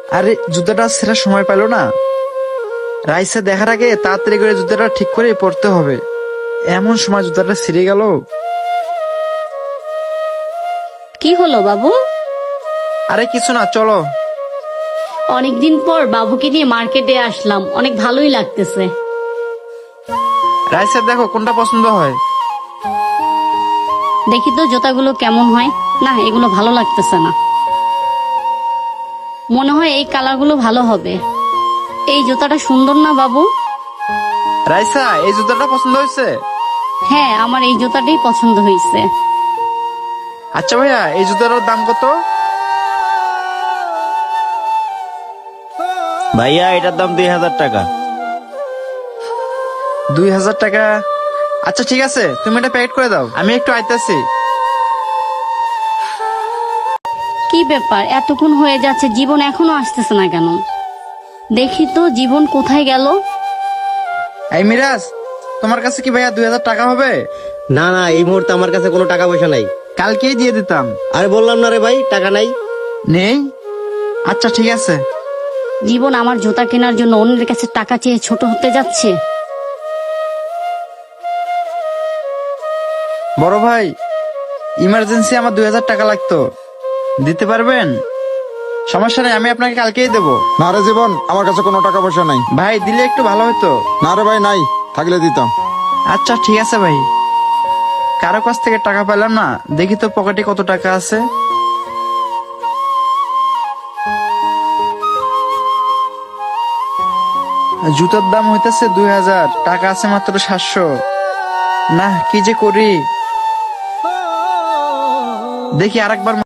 আরে জুতাটা ছেঁড়ার সময় পেল না। রাইসা দেখার আগে তাড়াতাড়ি করে জুতাটা ঠিক করে পরতে হবে। এমন সময় জুতাটা ছিঁড়ে গেল। কি হলো বাবু? আরে কিছু না, চলো। অনেকদিন পর বাবুকে নিয়ে মার্কেটে আসলাম, অনেক ভালোই লাগতেছে। রাইসা দেখো কোনটা পছন্দ হয়। দেখি তো জুতাগুলো কেমন হয়। না, এগুলো ভালো লাগতেছে না। মনে হয় এই কালারগুলো ভালো হবে। এই জুতাটা সুন্দর না বাবু? রাইসা এই জুতাটা পছন্দ হয়েছে? হ্যাঁ, আমার এই জুতাটাই পছন্দ হয়েছে। আচ্ছা ভাইয়া, এই জুতাটার দাম কত? ভাইয়া এটার দাম 2000 টাকা। 2000 টাকা? আচ্ছা ঠিক আছে, তুমি এটা প্যাকেট করে দাও, আমি একটু আইতাছি। কি ব্যাপার, এতক্ষণ হয়ে যাচ্ছে, জীবন এখনো আসতেছে না কেন? দেখি তো জীবন কোথায় গেল। এই মিরাজ, তোমার কাছে কি ভাইয়া 2000 টাকা হবে? না না, এই মুহূর্তে আমার কাছে কোনো টাকা পয়সা নাই। কালকেই দিয়ে দিতাম। আরে বললাম না রে ভাই, টাকা নাই। নেই? আচ্ছা ঠিক আছে। জীবন আমার জুতা কেনার জন্য অন্যের কাছে টাকা চেয়ে ছোট হতে যাচ্ছে। বড় ভাই, ইমার্জেন্সি আমার 2000 টাকা লাগতো, দিতে পারবেন? সমস্যা নেই, আমি আপনাকে কালকেই দেবো। না রে জীবন, আমার কাছে কোনো টাকা পয়সা নাই। ভাই দিলে একটু ভালো হতো। না রে ভাই, নাই, থাকলে দিতাম। আচ্ছা ঠিক আছে ভাই। কারো কাছ থেকে টাকা পেলাম না, দেখি তো পকেটে কত টাকা আছে। জুতার দাম হইতেছে 2000, টাকা আছে মাত্র 700। না, কি যে করি। দেখি আরেকবার